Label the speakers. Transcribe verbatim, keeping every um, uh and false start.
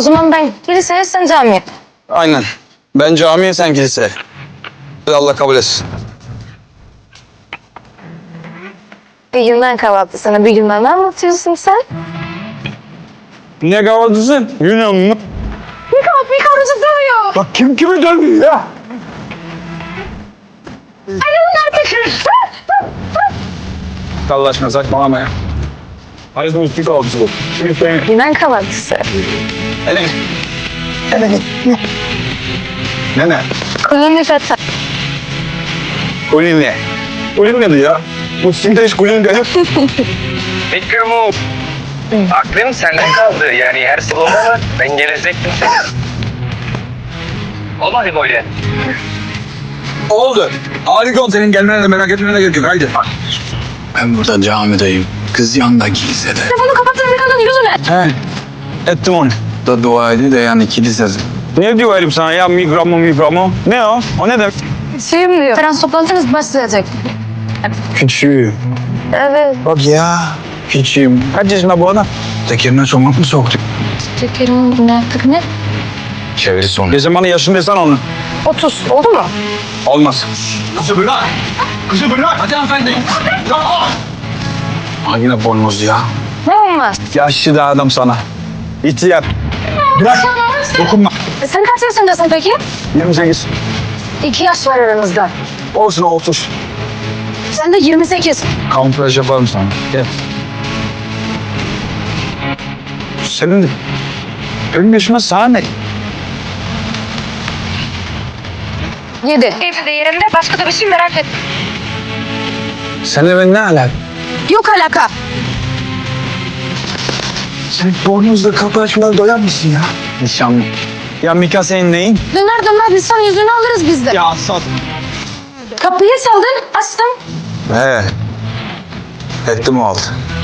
Speaker 1: O zaman ben kiliseye, sen camiye.
Speaker 2: Aynen. Ben camiye, sen kilise. Allah kabul etsin.
Speaker 1: Bir Yunan kahvaltısını bir Yunan anlatıyorsun sen.
Speaker 2: Ne kahvaltısı? Yunan mı?
Speaker 1: Bir kahvaltı bir karıcı dövüyor.
Speaker 2: Bak kim kimi dövüyor ya?
Speaker 1: Ay onlar bir...
Speaker 2: Allah aşkına saçmalama ya. Hayır bu üstü kahvaltısı bu. Şimdi sen...
Speaker 1: Yunan kahvaltısı.
Speaker 2: Hele. Hele. Ne ne?
Speaker 1: Kulun feta.
Speaker 2: Kulin ne? Kulin nedir ya? Bu simde hiç kulin değil.
Speaker 3: Fikrim aklım sende kaldı. Yani her salonda ben gelecektim seni. Olmadı böyle.
Speaker 2: Oldu. Harika oldu, senin gelmene de merak etmene gerek yok. Haydi.
Speaker 4: Ben burada camideyim. Kız yanında kilisede.
Speaker 1: Telefonu kapattın bir kadın yüzüne.
Speaker 2: He. Ettim onu.
Speaker 4: Da dua ediyor da yani kilisede.
Speaker 2: Ne diyor herif sana ya, mikromu mikromu? Ne o? O ne demek?
Speaker 1: Şeyim diyor. Trans toplantınız başlayacak.
Speaker 2: Küçüğüm.
Speaker 1: Evet.
Speaker 4: Bak ya. Küçüğüm.
Speaker 2: Kaç yaşında bu adam?
Speaker 4: Tekerine somak mı soktuk?
Speaker 1: Şekerim ne yaptık ne?
Speaker 4: Çeviri sonu.
Speaker 2: Ne zamanı yaşın desen onu.
Speaker 1: otuz. Oldu mu?
Speaker 2: Olmaz. Kızı bırak. Kızı bırak. Hadi hanımefendi.
Speaker 4: Ha yine bornoz ya.
Speaker 1: Ne olmaz?
Speaker 2: Yaşlı da adam sana. İhtiyar. Bırak. Dokunma.
Speaker 1: E sen kaç yaşındasın peki?
Speaker 2: yirmi sekiz.
Speaker 1: İki yaş var aranızda.
Speaker 2: Olsun otuz.
Speaker 1: Sen de yirmi sekiz.
Speaker 2: Kamuflaj yaparım sana. Gel. Senin benim yaşıma sana ne?
Speaker 1: Yedi. Evde yerinde başka da bir şey merak et.
Speaker 2: Seninle ben ne alak?
Speaker 1: Yok alaka.
Speaker 2: Sen bornozla kapı açmadan doyan mısın ya? Nişanlı. Ya Mika senin neyin?
Speaker 1: Döner dönmez insan yüzünü alırız biz de.
Speaker 2: Ya Asad.
Speaker 1: Kapıyı çaldın, açtım.
Speaker 4: He. Ettim o altı.